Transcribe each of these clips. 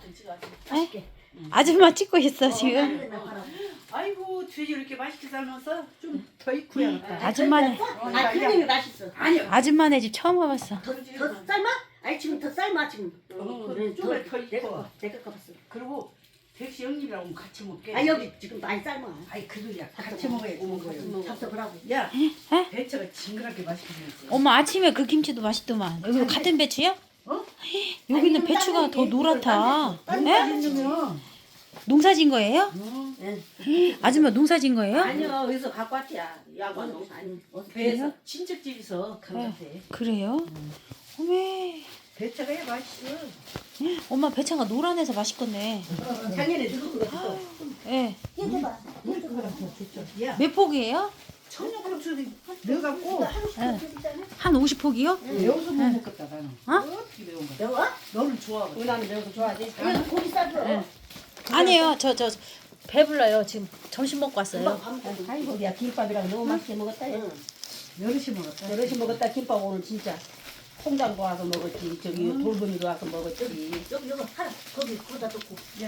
좀 찍어. 에? 아줌마 찍고 있어 지금. 아이고 돼지 이렇게 맛있게 삶아서 좀 더 익고야. 아줌마네. 아, 그놈이 맛있어. 아니요. 아줌마네 집 처음 와봤어. 더 삶아? 아니 지금 더 삶아 지금. 그래, 좀더 익고. 내가 가봤어. 그리고 백시 형님이랑 같이 먹게. 아 여기 지금 많이 삶아. 아이 그들이야 같이 먹어야지. 먹어요. 잡숴보라고. 야, 에? 배추가 징그럽게 맛있게 생겼어. 엄마 아침에 그 김치도 맛있더만. 여기 같은 배추야? 어? 여기는 아니, 배추가 더 노랗다. 딴 에? 맛있으면. 농사진 거예요? 예. 아줌마 농사진 거예요? 아니요, 어디서 갖고 왔지야. 야관 아니 어서 배에서. 친척집에서 간 네. 같아. 그래요? 어메. 배추가 야 맛있어. 엄마 배차가 노란해서 맛있겠네. 작년에 누구 그거 예. 해봐. 야, 몇 폭이에요? 청양고추 넣어갖고 한 50폭이요? 매워서 못 먹겠다 나는. 어? 어떻게 매운 거야? 매워? 너는 좋아하고. 우리 남은 매운 거 좋아하지? 이거 고기 싸줘. 네. 아니에요. 저 배불러요. 지금 점심 먹고 왔어요. 아이고, 야, 김밥이랑 너무 맛있게 먹었다. 야. 여럿이 먹었다. 여럿이 먹었다, 김밥 오늘 진짜. 통장도 와서 먹었지, 저기 돌보미도 와서 먹었지. 여기 이거 하나 거기 거기다 놓고. 야,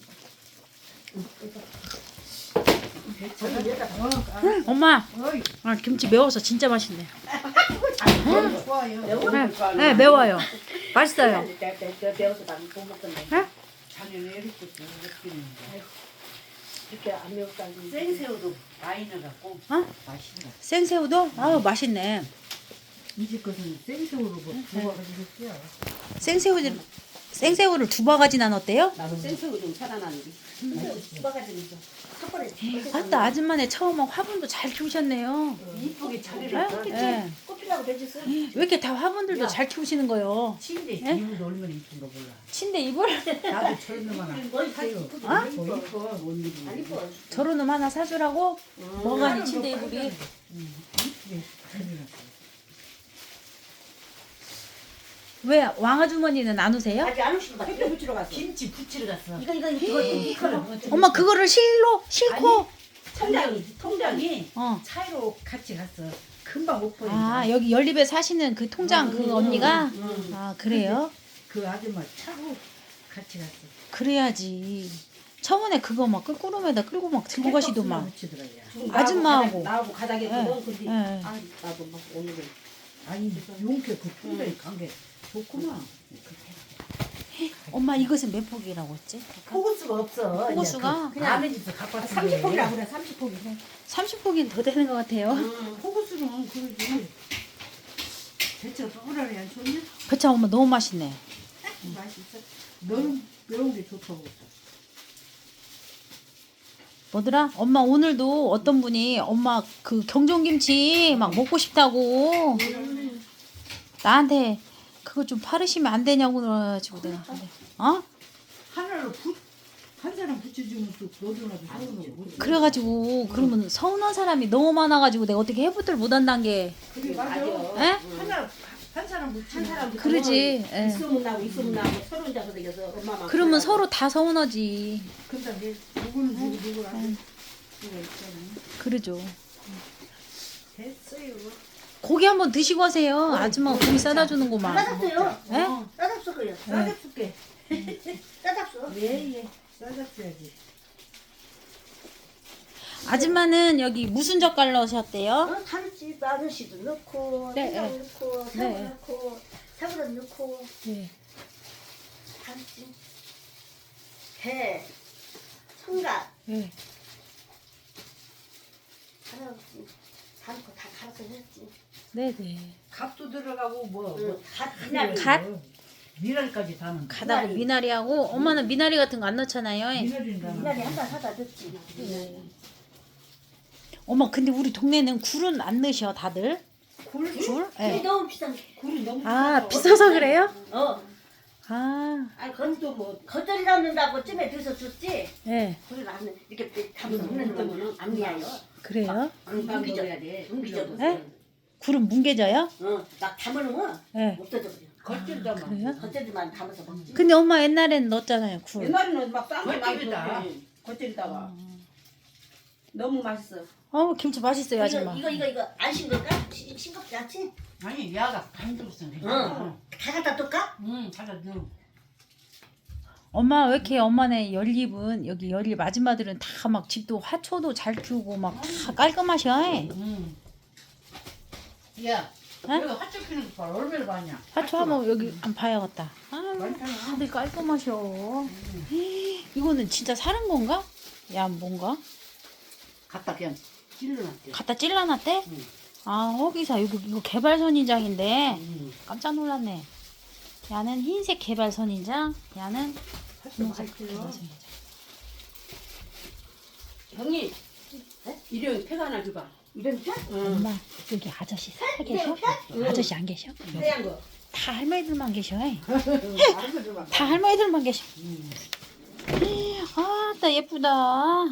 거기 여기다. 엄마, 어이, 아, 김치 매워서 진짜 맛있네. 너는 좋아요. 네, 매워요. 맛있어요. 내가 배워서 나는 못 먹던데. 자네는 이렇게 어떻게 먹는 거야? 이렇게 안 매웠다. 생새우도 많이 넣어갖고 어? 맛있네. 생새우도? 아우, 맛있네. 이 집 것은 생새우로 뭐 구워가지고 했어요. 생새우를 두 바가지나 넣었대요? 나도 생새우 좀 사다 놨는데. 수박가지고 있어. 한 번에. 아따, 아줌마네 처음 화분도 잘 키우셨네요. 이쁘게 자리를 예? 놨지. 예. 꽃피라고 배줬어. 왜 이렇게 다 화분들도 야. 잘 키우시는 거예요? 침대 예? 이불도 얼마나 이쁜 거 몰라. 침대 이불? 나도 저런 놈 하나. 뭐 이렇게 사요. 이쁘게 어? 이뻐. 뭐 이뻐, 뭔 일이. 안 이뻐. 저런 놈 하나 사주라고? 뭐가니 침대 이불이? 이쁘게 자리놨어. 왜 왕아주머니는 안 오세요? 아직 안 오신 것 같아. 햇볕 붙이러 갔어. 김치 부치러 갔어. 이거. 엄마 그거를 싣고? 통장이 어. 차이로 같이 갔어. 금방 못 보인다. 아 여기 연립에 사시는 그 통장 그 언니가? 아 그래요? 그 아줌마 차로 같이 갔어. 그래야지. 저번에 그거 막 끌구름에다 끌고 막 들고 가시더만. 붙이더라고요. 아줌마하고. 나하고 가닥에 예, 있거든. 근데 예. 아, 나도 막 오늘은 아니 용케 그 통장이 간 게 좋구나. 엄마 이것은 몇 폭이라고 했지? 호구수가 없어. 호구수가? 그냥 남의 집에서 갖고 왔어. 30폭이라 그래. 30폭이. 30폭이 더 되는 것 같아요. 호구수는 그러지. 대체 또우라리 안 좋냐? 배차 엄마 너무 맛있네. 맛있어. 너는 매운 게 좋다고. 뭐더라? 엄마 오늘도 어떤 분이 엄마 그 경종김치 막 먹고 싶다고 나한테 그거 좀 팔으시면 안 되냐고 그래가지고 내가 근데 어? 하나로 한 사람 붙여주면 또 너도나도 서운하고. 그래가지고 그러면 서운한 사람이 너무 많아가지고 내가 어떻게 해보들 못한다는 게 그게 맞아. 에? 하나 한 사람 붙이면 한 사람 그러지. 예. 있으면 나고 있으면 나고 서로 혼자서 생겨서 엄마만. 그러면 서로 다 서운하지. 근데 이제 누구는 누구를 안 수가 있잖아. 그러죠. 됐어요. 고기 한번 드시고 가세요. 아줌마가 고기 싸다 주는구만. 싸잡숴요. 예? 싸잡숴 그래요. 싸잡술게. 싸잡숴. 예예. 싸잡숴야지. 아줌마는 여기 무슨 젓갈 넣으셨대요? 다르지. 마늘씨도 넣고, 네, 생강 네. 넣고, 네. 새우 넣고, 새우젓 넣고, 네. 다르지. 배, 청각, 네. 다 넣었지. 다 넣고 다 갈아서 했지. 네네. 갓도 들어가고 뭐. 응, 갓, 미나리. 갓? 미랄까지 다 넣는. 가다고 미나리하고 엄마는 미나리 같은 거 안 넣잖아요. 미랄인 다 미나리 넣는. 한 달 사다 넣었지. 엄마 근데 우리 동네는 굴은 안 넣으셔 다들. 굴? 굴? 이게 네. 너무 비싼 게. 굴이 너무 아 비싸서 그래요? 아, 아니 그것도 뭐 겉절이 담는다고 쯤에 들서 줬지. 네. 그걸 안 이렇게 담서 먹는 거는 안 미야요. 그래요? 금방 먹어야 돼. 뭉기져도. 네? 굴은 뭉개져요? 막 담으면 네. 없어져 버려. 겉절다만. 그래요? 겉절이만 담아서 먹지. 근데 엄마 옛날에는 넣었잖아요 굴. 옛날에는 막 싼게 많이 겉절이다. 줬지. 겉절이다가 너무 맛있어. 김치 맛있어요 아줌마. 이거 안 싱겁까? 싱겁지 않지? 아니 야가 반 들었어. 응. 다 갖다 둘까? 응, 잘라 넣어. 엄마 왜 이렇게 엄마네 연립은 여기 연립 아줌마들은 다 막 집도 화초도 잘 키우고 막 다 깔끔하셔. 응. 야, 응? 여기 화초 피는 거 봐. 얼마나 많냐? 화초 한번 여기 안 봐야겠다. 아, 많잖아. 다들 깔끔하셔. 이거는 진짜 사는 건가? 야, 뭔가? 갖다 그냥 찔러놨대. 갖다 찔러놨대? 응. 아, 허기사 이거 개발 선인장인데 응. 깜짝 놀랐네. 야는 흰색 개발 선인장, 야는 화초 분홍색 많이 개발 찔러. 선인장. 형님, 일용 팩 하나 줘봐. 이런 편? 엄마 여기 아저씨 살 계셔? 아저씨 안 계셔? 하얀 거. 다 할머니들만 계셔. 알아서 다 할머니들만 계셔. 아따 예쁘다.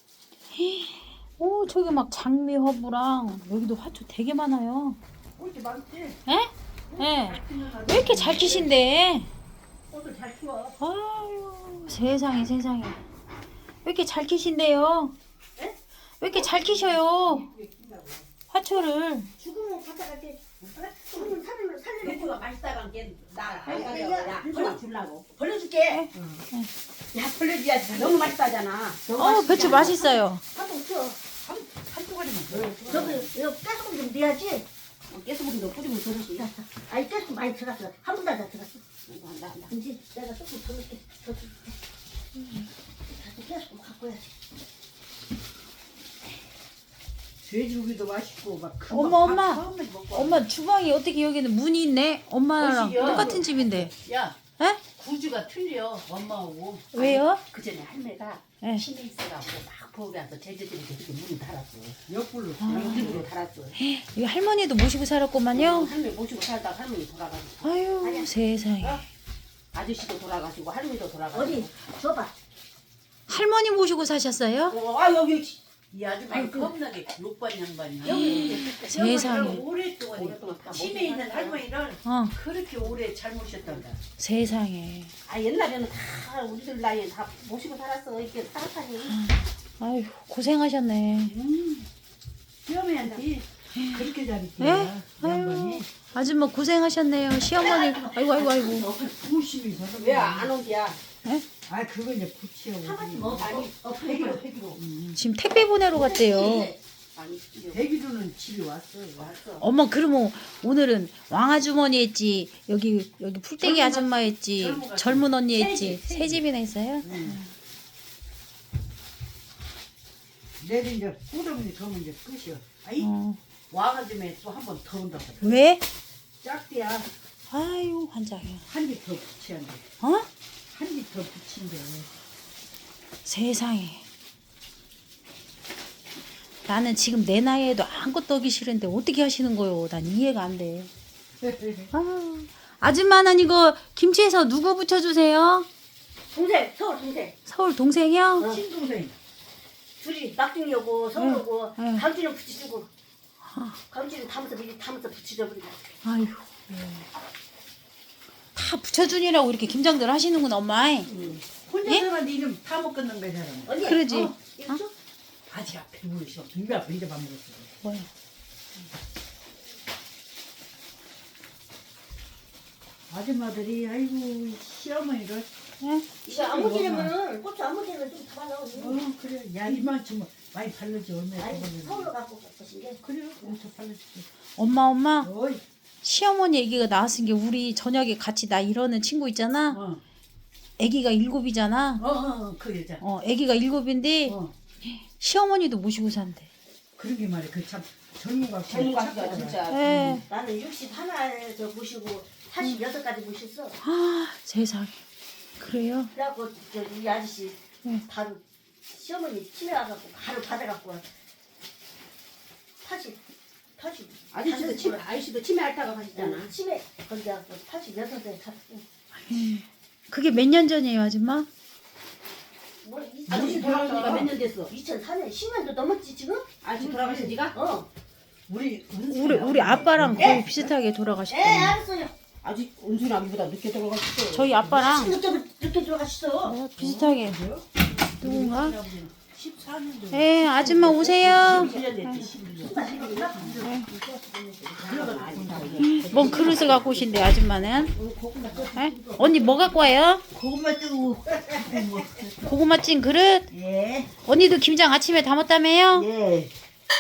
오 저기 막 장미 허브랑 여기도 화초 되게 많아요. 꽃이 많지? 에? 예. 왜 이렇게 잘 키신데? 꽃을 잘 키워. 아유 세상에 세상에. 왜 이렇게 잘 키신데요? 왜 이렇게 잘 키셔요? 화초를. 죽으면 갖다 갈게. 죽으면 살려놓고. 배추가 맛있다간 게나안 아니, 가져가. 야, 야, 이거 하나 주려고. 벌려줄게. 야, 벌려줘야지. 너무 맛있다잖아. 배추 맛있어요. 한번 쳐. 한 조각이면 돼. 저기 이거 깨소금 좀 넣어야지. 깨소금도 뿌리면 좋지. 아니 깨소금 많이 들어갔어. 한 분도 안 들어갔어. 나. 이제 내가 조금 더 넣게. 더 줄게. 다시 깨소금 갖고 와야지. 돼지고기도 맛있고 막. 엄마. 엄마 주방이 어떻게 여기는 문이 있네? 엄마랑 거실이요? 똑같은 집인데. 야, 에? 구주가 틀려 엄마하고. 왜요? 그 전에 할매가 예. 치매 있어갖고 막 부엌에 와서 제주들이 그렇게 문을 닫았어. 옆불로. 양쪽으로 닫았어. 이 할머니도 모시고 살았구만요. 할매 모시고 살다가 할머니 돌아가시고 아유 세상에. 아저씨도 돌아가시고 할머니도 돌아가시고. 어디 줘봐. 할머니 모시고 사셨어요? 아 여기 이 아줌마는 겁나게 욕반 양반이야. 세상에. 오랫동안 오랫동안 다 치매 있는 모시고 할머니를 어 그렇게 오래 잘 모셨단다. 세상에. 아 옛날에는 다 우리들 나이에 다 모시고 살았어. 이렇게 따뜻하니. 아유 고생하셨네. 시어머니한테 그렇게 잘했지. 예? 아유 아줌마 고생하셨네요. 시어머니. 아이고 아이고 아이고. 부심이 저런. 왜 안 온디야? 아 그거 이제 부치하고. 사가지 뭐. 아니 폐기로. 지금 택배 보내러 갔대요. 아니 대기로는 집에 왔어. 왔어. 엄마 그러면 오늘은 왕아주머니 했지 여기 풀떼기 젊은 아줌마 했지 젊은 젊은 언니 세 했지 집, 세 세 집이나 했어요? 내일 이제 꾸러미 더면 이제 끝이야. 아이 어. 와가지고 또 한 번 더 온다. 왜? 짝대야. 아유 환장이야. 한 집 더 붙여야 돼. 어? 한 집 더 붙인대. 세상에. 나는 지금 내 나이에도 아무것도 하기 싫은데 어떻게 하시는 거요? 난 이해가 안 돼. 아, 아줌마는 이거 김치에서 누구 붙여주세요? 동생, 서울 동생. 서울 동생이요? 친동생. 둘이 막둥이 오고 서울 오고 응. 강진은 붙여주고. 강진은 담아서 미리 담아서 붙이자 버리고. 아유. 다 붙여주니라고 이렇게 김장들 하시는구나 엄마. 혼자 예? 살았는데 이름 다 먹겠는 거잖아. 언니. 그러지. 이거 줘? 아직 앞에 보이셔. 준비 앞에 이제 밥 먹었어. 뭐야? 아줌마들이 아이고 시어머니를. 예? 이거 안 먹이려면은 고추 안 먹이려면 좀 담아놔. 그래. 야 이만큼 많이 발르지 얼마나 아니 먹었는데. 서울로 갖고 가신 게. 그래. 엄청 발르지. 엄마 어이. 시어머니 아기가 나왔은 게 우리 저녁에 같이 나 이러는 친구 있잖아. 어. 아기가 7이잖아. 그 여자. 아기가 7인데 어. 시어머니도 모시고 산대. 그런 게 말이야. 그 참 젊은 거 젊은 가수가 진짜. 예. 나는 61에 저 모시고 46까지 모셨어. 아 세상에. 그래요? 그래갖고 저이 아저씨 응. 바로 시어머니 치매 와갖고 바로 받아갖고 80 아저씨도 치매 앓다가 가셨잖아. 치매 거기 가서 86에 갔어. 그게 몇 년 전이에요 아줌마? 뭐 아저씨 돌아가신 지가 몇 년 됐어? 2004년 10년도 넘었지 지금? 아저씨 돌아가신 지가? 어. 우리 아빠랑 거의 비슷하게 돌아가셨대. 알았어요. 아직 은순이 아기보다 늦게 돌아가셨어. 저희 아빠랑 늦게 들어가셨어. 비슷하게 누군가? 14년도. 예, 아줌마 오세요. 11년 됐지 11년. 뭔 그릇을 갖고 오신대 아줌마는? 예? 언니 뭐 갖고 와요? 고구마 뜨고. 고구마 찐 그릇? 예. 언니도 김장 아침에 담았다며요? 예.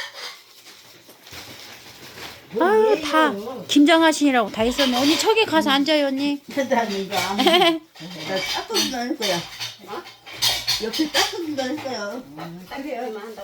아유 다 김장하시느라고 다 있었네. 언니 저기 가서 앉아요 언니. 세상이가. 나 닦아준다 할 거야. 옆에 닦아준다 할 거야. 딸이 얼마 한다고.